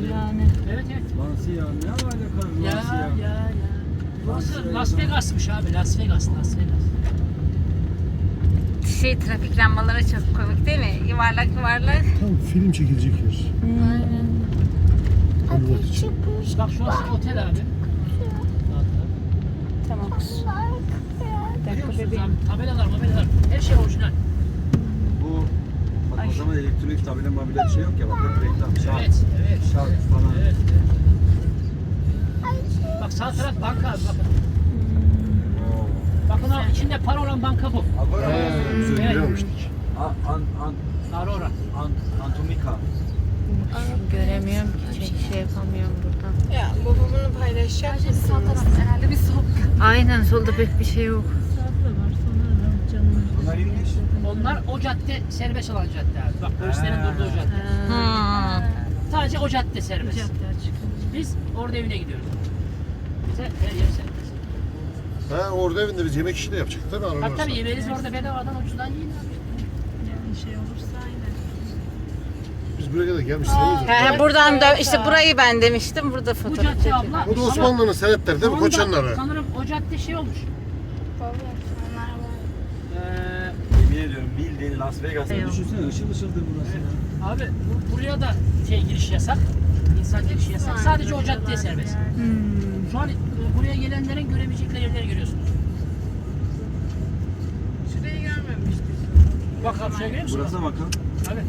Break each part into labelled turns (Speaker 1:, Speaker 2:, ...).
Speaker 1: yani.
Speaker 2: Evet evet.
Speaker 3: Lansya ne alaka Lansya?
Speaker 2: Ya. Burası Las Vegas'mış abi. Las Vegas.
Speaker 4: Trafik lambaları çok komik değil mi? Yuvarlak.
Speaker 5: Tam film çekilecek yer.
Speaker 4: Aynen.
Speaker 5: Konvoy için.
Speaker 2: Bak şurası otel abi.
Speaker 1: Tamam.
Speaker 2: Görüyor musunuz abi? Tabelalar. Her şey orijinal.
Speaker 3: Bu bak o zaman elektronik tabela mabila bir şey yok ya bak hep reklam. Şark,
Speaker 2: Evet.
Speaker 3: şark falan.
Speaker 2: Evet. Bak sağ taraf banka abi bakın. Bakın abi içinde para olan banka bu.
Speaker 3: Agora
Speaker 5: Biz öyle
Speaker 2: Evet.
Speaker 5: girmemiştik.
Speaker 2: Aurora.
Speaker 3: Antomika.
Speaker 4: Göremiyorum ki. Şey yapamıyorum buradan.
Speaker 1: Ya babamını paylaşacak mısınız?
Speaker 4: Herhalde bir soğuk. Aynen solda pek bir şey yok.
Speaker 3: Bunlar inmiş.
Speaker 2: Onlar o cadde serbest olan cadde abi. Bak polislerin durduğu cadde. Sadece o cadde serbest. Biz orada evine gidiyoruz. Bize her yer serbest.
Speaker 5: Ha orada evinde biz yemek işi de yapacaktık tabii araba
Speaker 2: Tabii yemeğiniz orada bedavadan ucuzdan yiyin abi.
Speaker 1: Yani şey olursa aynen.
Speaker 5: Biz buraya kadar gelmişiz değil mi?
Speaker 4: He, buradan da işte burayı ben demiştim. Burada
Speaker 2: Bu
Speaker 4: fotoğraf
Speaker 2: cadde
Speaker 4: çekiyorum.
Speaker 2: abla.
Speaker 5: O da Osmanlı'nın senetleri değil mi? Koçanları.
Speaker 2: Sanırım o cadde şey olmuş.
Speaker 3: Yemin ediyorum bildiğin Las Vegas'ta. Düşünsene ışıl ışıldır burası ya.
Speaker 2: Abi buraya da giriş yasak. İnsan girişi yasak. Sadece o caddeye serbest. Şu an buraya gelenlerin göremeyecekleri yerleri görüyorsunuz.
Speaker 1: Şurayı görmemiştik.
Speaker 2: Bak abi şuraya görüyor musun?
Speaker 3: Burasına bakın.
Speaker 2: Abi.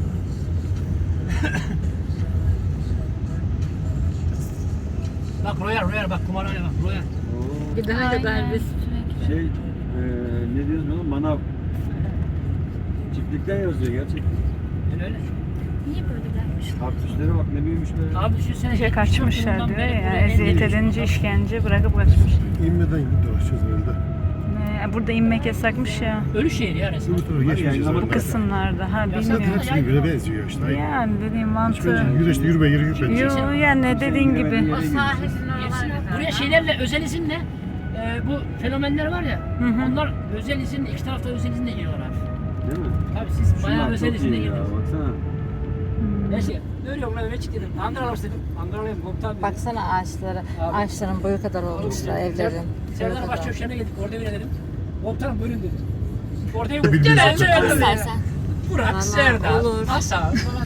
Speaker 2: Bak Royal bak kumarhane bak Royal.
Speaker 3: Oo.
Speaker 4: Gidene kadar biz.
Speaker 3: Şey ne diyoruz bunu? Manav. Çiftlikten yazıyor gerçekten.
Speaker 2: Öyle.
Speaker 4: Niye böyle gelmiş?
Speaker 3: Kaktüslere bak ne büyümüş be.
Speaker 2: Abi düşünsene.
Speaker 1: İşe kaçmışlar
Speaker 2: Bundan
Speaker 1: diyor
Speaker 2: beri
Speaker 1: ya.
Speaker 2: buraya en
Speaker 1: Eziyet
Speaker 2: gelmiş.
Speaker 1: edince işkence bırakıp kaçmış.
Speaker 5: İnmeden dolaşacağız herhalde.
Speaker 1: Burada inmek yasakmış ya.
Speaker 2: Ölü şehir ya resmen.
Speaker 5: Öbür tarafa geçmeyeceğiz
Speaker 3: Bu
Speaker 1: Bu
Speaker 5: herhalde.
Speaker 1: kısımlarda. Ha
Speaker 5: Zaten
Speaker 1: bilmiyorum.
Speaker 5: hepsi birbirine benziyor işte.
Speaker 1: Yani dediğim
Speaker 5: Hiç
Speaker 1: mantığı.
Speaker 5: bence yürü işte yürüme yürü bence.
Speaker 1: Yo yani dediğin gibi.
Speaker 4: O sahilin oralarda.
Speaker 2: Buraya şeylerle özel izinle bu fenomenler var ya.
Speaker 1: Hı hı.
Speaker 2: Onlar özel izinle iki tarafta özel izinle giriyorlar abi.
Speaker 3: Değil mi?
Speaker 2: Tabii siz bayağı
Speaker 3: Şunlar
Speaker 2: özel
Speaker 3: çok
Speaker 2: izinle
Speaker 3: iyi ya
Speaker 2: girdiniz.
Speaker 3: baksana.
Speaker 2: Ben şey görüyorum ben eve çık dedim. Ankara'lar dedim. Ankara'layım komutan dedim.
Speaker 4: Baksana ağaçlara.
Speaker 2: Abi.
Speaker 4: Ağaçların boyu kadar olmuşlar evlerin. Boyu
Speaker 2: Serdar
Speaker 4: kadar.
Speaker 2: Başçavuşları'na geldik. Orada evine dedim. Komutanım bölün dedim. Orada ev
Speaker 5: Bildiğin
Speaker 2: gel
Speaker 5: çok
Speaker 2: evine
Speaker 5: güzel.
Speaker 2: dedim. Burak,
Speaker 4: Vallahi
Speaker 2: Serdar,
Speaker 4: olur.
Speaker 2: Hasan falan.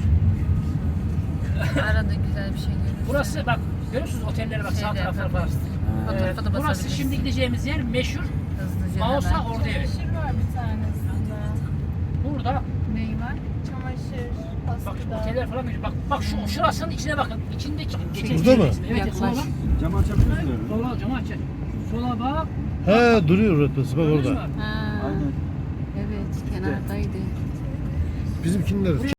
Speaker 4: Arada güzel bir şey görüyoruz.
Speaker 2: Burası bak görüyor musunuz otellere bak sağ
Speaker 4: Şeyde
Speaker 2: taraflara bak.
Speaker 4: yaparız. Fotoğrafa da
Speaker 2: Burası
Speaker 4: basabiliriz.
Speaker 2: şimdi gideceğimiz yer meşhur
Speaker 4: Hızlıca
Speaker 2: Mausa
Speaker 4: hemen.
Speaker 2: orada evi.
Speaker 6: Çamaşır var bir tanesinde.
Speaker 2: Burada
Speaker 4: Neyi var?
Speaker 6: Çamaşır,
Speaker 2: bak şu
Speaker 6: askıda.
Speaker 2: oteller falan görüyor. Bak şu şurasının içine bakın. İçindeki
Speaker 5: Burada mı?
Speaker 2: Evet sola
Speaker 4: Yaklaş.
Speaker 2: bak.
Speaker 3: Cam açabiliyorsun öyle.
Speaker 2: Sola camı aç. Sola bak.
Speaker 5: Ha duruyor orası bak
Speaker 2: Gördünüz mü
Speaker 5: orada.
Speaker 2: abi?
Speaker 4: Ha,
Speaker 3: Aynen.
Speaker 4: evet kenardaydı.
Speaker 5: Bizimkiler